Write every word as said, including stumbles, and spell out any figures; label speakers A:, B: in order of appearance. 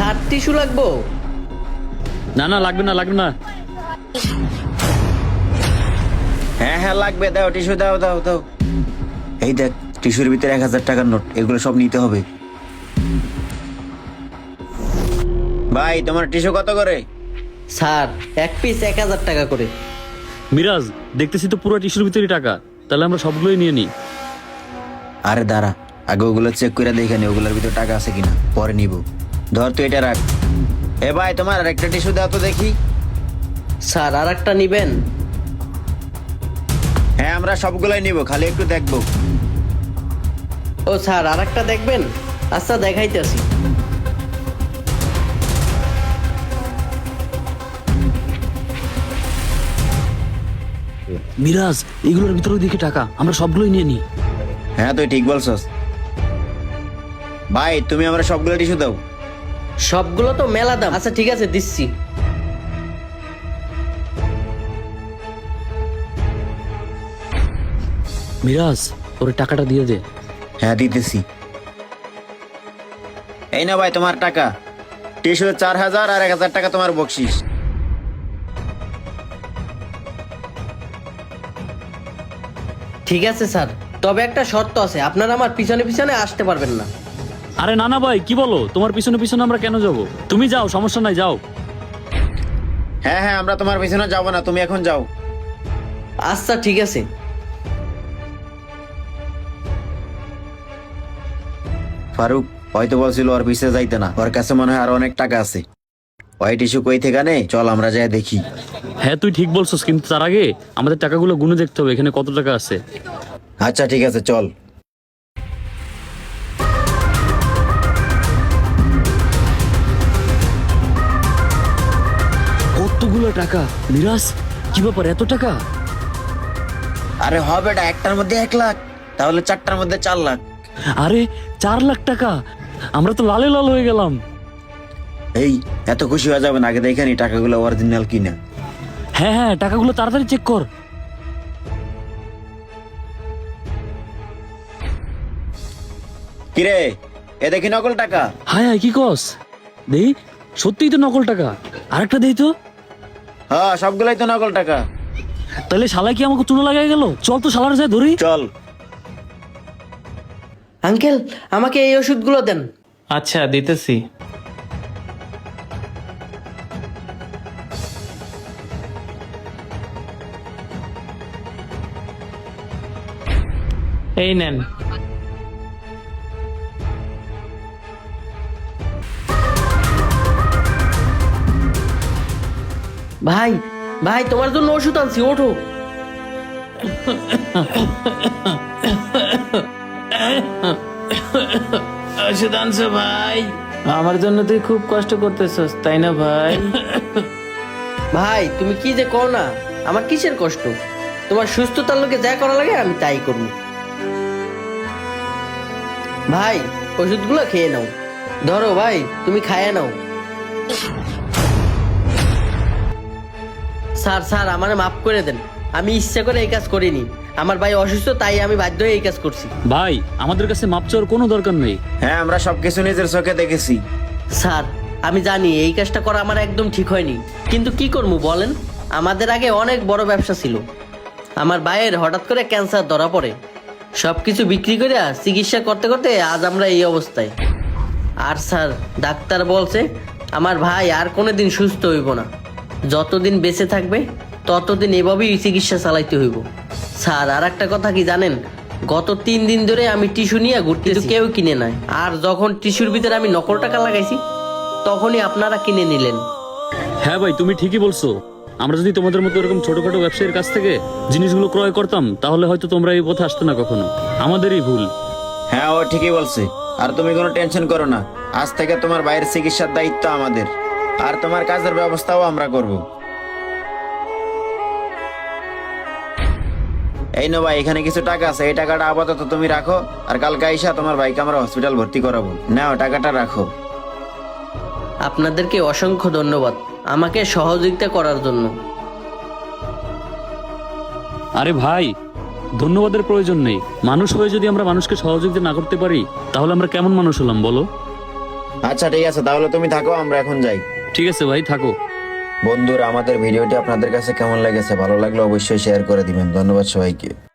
A: Sir tissue লাগবো?
B: না না লাগবে না লাগবে না।
C: হ্যাঁ হ্যাঁ লাগবে, দাও টিস্যু দাও দাও দাও। এই দেখ টিস্যুর ভিতরে এক হাজার টাকার নোট, এগুলো সব নিতে হবে। ভাই তোমার টিস্যু কত করে?
A: স্যার এক পিস এক হাজার টাকা করে।
B: মিরাজ, দেখতেছি তো পুরো টিস্যুর ভিতরে টাকা, তাহলে আমরা সবগুলোই নিয়ে নিই।
C: আরে দাঁড়া, আগে ওগুলো চেক করে দেখে নি ওগুলোর ভিতরে টাকা আছে কিনা, পরে নিব। ধর তুই এটা রাখ। এ ভাই তোমার আর একটা টিস্যু দাও তো দেখি।
A: স্যার আর একটা নিবেন?
C: হ্যাঁ আমরা সবগুলাই নিব, খালি একটু দেখবো।
A: ও স্যার আর একটা দেখবেন? আচ্ছা দেখাইতেছি।
B: মিরাজ, এগুলোর ভিতরে দিকে টাকা, আমরা সবগুলোই নিয়ে নিই।
C: হ্যাঁ তুই ঠিক বলছস। ভাই তুমি আমরা সবগুলো টিস্যু দাও।
A: সবগুলো তো মেলা দাম। আচ্ছা ঠিক আছে দিচ্ছি।
B: মিরাজ, ওর টাকাটা দিয়ে দে।
C: হ্যাঁ দিতেছি। এই না ভাই তোমার টাকা, টিস্যু চার হাজার আর এক হাজার টাকা তোমার বকশিস।
A: ঠিক আছে স্যার, তবে একটা শর্ত আছে, আপনারা আমার পিছনে পিছনে আসতে পারবেন না।
B: আরে না না ভাই, কি বলো? তোমার পিছনে পিছনে আমরা কেন যাব? তুমি যাও, সমস্যা নাই, যাও।
C: হ্যাঁ হ্যাঁ আমরা তোমার পিছনে যাবো না, তুমি এখন যাও।
A: আচ্ছা ঠিক আছে।
C: ফারুক হয়তো বলছিল ওর পিছে যাইতে না, ওর কাছে মনে হয় আর অনেক টাকা আছে। ওই টিস্যু কই থেকে নে, চল আমরা যাই দেখি।
B: হ্যাঁ তুই ঠিক বলছিস, কিন্তু তার আগে আমাদের টাকাগুলো গুনে দেখতে হবে এখানে কত টাকা আছে।
C: আচ্ছা ঠিক আছে চল।
B: কতগুলো টাকা মিরাজ, কি ব্যাপার এত টাকা?
C: আরে হবে এটা একটার মধ্যে এক লাখ, তাহলে চারটার মধ্যে চার লাখ।
B: আরে চার লাখ টাকা, আমরা তো লালে লাল হয়ে গেলাম।
C: এই এত খুশি হয়ে যাবেন, আগে দেখে নি টাকাগুলো অরিজিনাল কিনা।
B: হ্যাঁ হ্যাঁ, টাকাগুলো তাড়াতাড়ি চেক কর।
C: কিরে এ দেখি নকল টাকা।
B: হায় হায়, কি কস? দেই, সত্যিই তো নকল টাকা। আরেকটা দেই তো।
C: হ্যাঁ সবগুলাই তো নকল টাকা।
B: তাহলে শালা কি আমাকে চুনো লাগাই গেল? চল তো শালার যায় ধরি।
C: চল।
A: আঙ্কেল আমাকে এই ওষুধগুলো দেন।
D: আচ্ছা দিতেছি। এই নেন।
A: ভাই ভাই তোমার জন্য ওষুধ আনছি, ওঠো।
D: ওষুধ আনছো ভাই? আমার জন্য তুই খুব কষ্ট করতেছস তাই না ভাই?
A: ভাই তুমি কি যে কও না, আমার কিসের কষ্ট? তোমার সুস্থতার লোকে যা করা লাগে আমি তাই করব। ভাই ওষুধগুলো খেয়ে নাও। ধরো ভাই, তুমি খাইয়ে নাও। স্যার স্যার আমারে মাফ করে দেন, আমি ইচ্ছা করে এই কাজ করিনি। আমার ভাই অসুস্থ, তাই আমি বাধ্য হয়ে এই কাজ করছি।
B: ভাই আমাদের কাছে মাপ চাওয়ার কোনো দরকার নেই।
C: হ্যাঁ আমরা সবকিছু নিজের চোখে দেখেছি।
A: স্যার আমি জানি এই কাজটা করা আমার একদম ঠিক হয়নি, কিন্তু কি করবো বলেন? আমাদের আগে অনেক বড় ব্যবসা ছিল। আমার ভাইয়ের হঠাৎ করে ক্যান্সার ধরা পড়ে, সবকিছু বিক্রি করে চিকিৎসা করতে করতে আজ আমরা এই অবস্থায়। আর স্যার ডাক্তার বলছে আমার ভাই আর কোনোদিন সুস্থ হইব না, যতদিন বেঁচে থাকবে ততদিন এভাবেই চিকিৎসা চালাইতে হইব। স্যার আর একটা কথা কি জানেন, গত তিন দিন ধরে আমি টিস্যু নিয়ে ঘুরতেছি, কেউ কিনে নাই। আর যখন টিস্যুর ভিতরে আমি নকল টাকা লাগাইছি তখনই আপনারা কিনে নিলেন।
B: হ্যাঁ ভাই তুমি ঠিকই বলছো, আমরা যদি তোমাদের মতো এরকম ছোটখাটো ব্যবসায়ীর কাছ থেকে জিনিসগুলো ক্রয় করতাম তাহলে হয়তো তোমরা এই পথে আসতো না কখনো। আমাদেরই ভুল।
C: হ্যাঁ ও ঠিকই বলছে। আর তুমি কোনো টেনশন করো না, আজ থেকে তোমার ভাইয়ের চিকিৎসার দায়িত্ব আমাদের, আর তোমার কাজের ব্যবস্থাও আমরা করব। এই নো ভাই, এখানে কিছু টাকা আছে, এই টাকাটা আপাতত তুমি রাখো, আর কালকে আইসা তোমার ভাইকে আমরা হসপিটাল ভর্তি করাবো। নাও টাকাটা রাখো।
A: আপনাদেরকে অসংখ্য ধন্যবাদ আমাকে সহযোগিতা করার জন্য।
B: আরে ভাই, ধন্যবাদের প্রয়োজন নেই। মানুষ হয়ে যদি আমরা মানুষকে সহযোগিতা না করতে পারি তাহলে আমরা কেমন মানুষ হলাম বলো?
C: আচ্ছা ঠিক আছে, তাহলে তুমি থাকো, আমরা এখন যাই।
B: ঠিক আছে ভাই, থাকো।
C: বন্ধুরা, আমাদের ভিডিওটি আপনাদের কাছে কেমন লেগেছে? ভালো লাগলে অবশ্যই শেয়ার করে দিবেন। ধন্যবাদ সবাইকে।